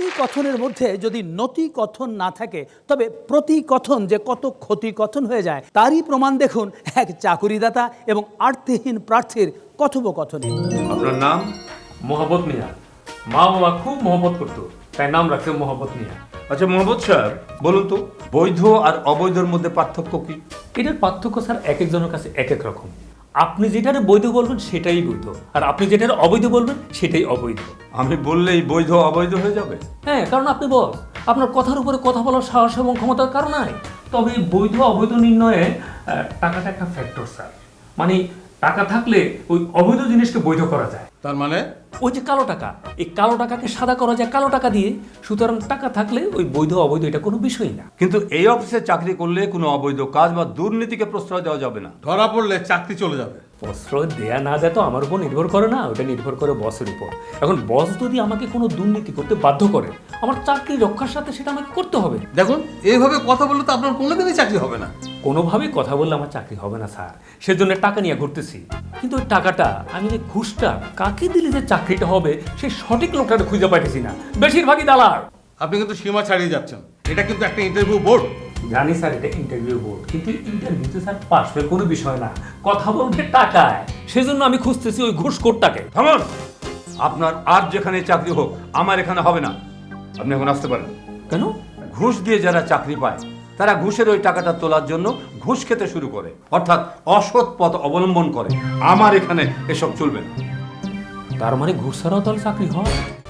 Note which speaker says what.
Speaker 1: কথনের মধ্যে যদি নতি কথন না থাকে তবে প্রতিকথন যে কত ক্ষতিকথন হয়ে যায় তারই প্রমাণ দেখুন এক চাকুরিদাতা এবং আর্থিহীন প্রার্থীর কথোপকথনে।
Speaker 2: আপনার নাম?
Speaker 3: মোহাম্মদ মিয়া। মা বাবা খুব মহব্বত করতো, তাই নাম রাখছে মোহাম্মদ মিয়া।
Speaker 2: আচ্ছা মোহাম্মদ সাহেব, বলুন তো বৈধ আর অবৈধর মধ্যে পার্থক্য কি?
Speaker 3: এটার পার্থক্য স্যার এক একজনের কাছে এক এক রকম। আপনি যেটারে বৈধ বলবেন সেটাই বৈধ, আর আপনি যেটারে অবৈধ বলবেন সেটাই অবৈধ।
Speaker 2: আমি বললেই বৈধ অবৈধ হয়ে যাবে?
Speaker 3: হ্যাঁ, কারণ আপনি বস, আপনার কথার উপরে কথা বলার সাহস এবং ক্ষমতার কারণ নাই। তবে বৈধ অবৈধ নির্ণয়ে টাকাটা একটা ফ্যাক্টর স্যার। মানে টাকা থাকলে ওই অবৈধ জিনিসকে বৈধ করা যায়।
Speaker 4: তার মানে
Speaker 3: ওই যে কালো টাকা, এই কালো টাকাকে সাদা করা যায় কালো টাকা দিয়ে। সুতরাং টাকা থাকলে ওই বৈধ অবৈধ এটা কোনো বিষয় না।
Speaker 2: কিন্তু এই অফিসে চাকরি করলে কোনো অবৈধ কাজ বা দুর্নীতিকে প্রশ্রয় দেওয়া যাবে না।
Speaker 4: ধরা পড়লে চাকরি চলে যাবে।
Speaker 3: প্রশ্রয় দেয়া না যায় তো আমার উপর নির্ভর করে না, ওটা নির্ভর করে বসের উপর। এখন বস যদি আমাকে কোনো দুর্নীতি করতে বাধ্য করে, আমার চাকরি রক্ষার সাথে সেটা আমাকে করতে হবে।
Speaker 4: দেখুন, এইভাবে কথা বললে তো আপনার কোনোদিনই চাকরি হবে না।
Speaker 3: কোনোভাবেই কথা বললে আমার চাকরি হবে না স্যার, সেজন্য টাকা নিয়ে ঘুরতেছি। কিন্তু ওই টাকাটা আমি যে ঘুষটা কাকে দিলে যে চাকরিটা হবে সেই সঠিক লোকটা খুঁজে পাইতেছি না, বেশিরভাগই দালাল।
Speaker 4: আপনি কিন্তু সীমা ছাড়িয়ে যাচ্ছেন। এটা কিন্তু একটা ইন্টারভিউ বোর্ড।
Speaker 3: জানি স্যার এটা ইন্টারভিউ বোর্ড, কিন্তু ইন্টারভিউতে স্যার পাস ফেল কোনো বিষয় না, কথা বলতে টাকায়। সেজন্য আমি খুঁজতেছি ওই ঘুষখোরটাকে।
Speaker 2: থামুন! আপনার আর যেখানে চাকরি হোক, আমার এখানে হবে না। আপনি এখন আসতে পারেন।
Speaker 3: কেন?
Speaker 2: ঘুষ দিয়ে যারা চাকরি পায় তারা ঘুষের ওই টাকাটা তোলার জন্য ঘুষ খেতে শুরু করে, অর্থাৎ অসৎ পথ অবলম্বন করে। আমার এখানে এসব চলবে না।
Speaker 3: তার মানে ঘুষ ছাড়াও তাহলে চাকরি হয়?